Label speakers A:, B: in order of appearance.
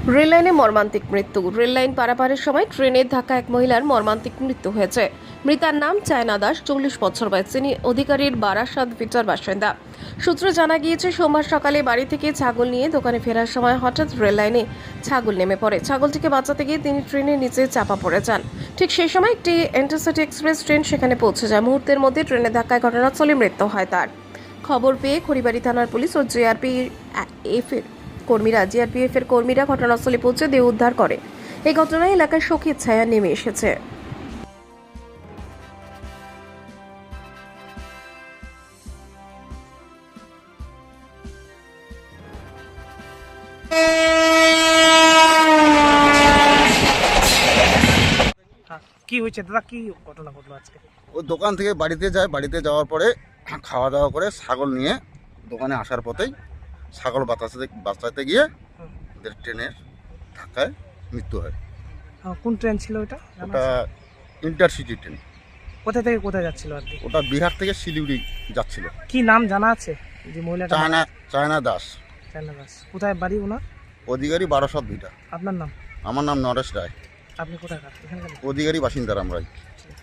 A: রেললাইনে মর্মান্তিক মৃত্যু। রেললাইন পারাপারের সময় ট্রেনের ধাক্কা এক মহিলার মর্মান্তিক মৃত্যু হয়েছে। মৃতার নাম চায়না দাস, 40 বছর বয়স। তিনি অধিকারীর বারাসাত ভিটার বাসিন্দা। সূত্রে জানা গিয়েছে, সোমবার সকালে বাড়ি থেকে ছাগল নিয়ে দোকানে ফেরার সময় হঠাৎ রেললাইনে ছাগল নেমে পড়ে। ছাগলটিকে বাঁচাতে গিয়ে তিনি ট্রেনের নিচে চাপা পড়ে যান। ঠিক সেই সময় একটি ইন্টারসিটি এক্সপ্রেস ট্রেন সেখানে পৌঁছে যায়। মুহূর্তের মধ্যে ট্রেনের ধাক্কায় ঘটনাস্থলে মৃত্যু হয় তার। খবর পেয়ে খড়িবাড়ি থানার পুলিশ ও জিআরপিএফ এর কর্মীরা ঘটনাস্থলে পৌঁছে দেহ উদ্ধার করে। এই ঘটনায় এলাকায় শোকের ছায়া নেমে এসেছে।
B: কি হয়েছে দাদা, কি ঘটনা ঘটলো আজকে?
C: ও দোকান থেকে বাড়িতে যায়, বাড়িতে যাওয়ার পরে খাওয়া দাওয়া করে ছাগল নিয়ে দোকানে আসার পথেই ছাগল বাঁচাতে গিয়ে ওদের ট্রেনের ধাক্কায় মৃত্যু হয়।
B: কোন ট্রেন ছিল ওটা?
C: ওটা ইন্টারসিটি ট্রেন।
B: কোথা থেকে কোথায় যাচ্ছিল আর কি?
C: ওটা বিহার থেকে শিলিগুড়ি যাচ্ছিল।
B: কি নাম জানা আছে যে মহিলাটা?
C: চায়না দাস।
B: চায়না দাস। কোথায় বাড়ি ওনার?
C: অধিকারী বারাসাত ভিটা।
B: আপনার নাম?
C: আমার নাম নরেশ রায়।
B: আপনি কোথাকার? এখানকার?
C: অধিকারী বাসিন্দার আমরাই।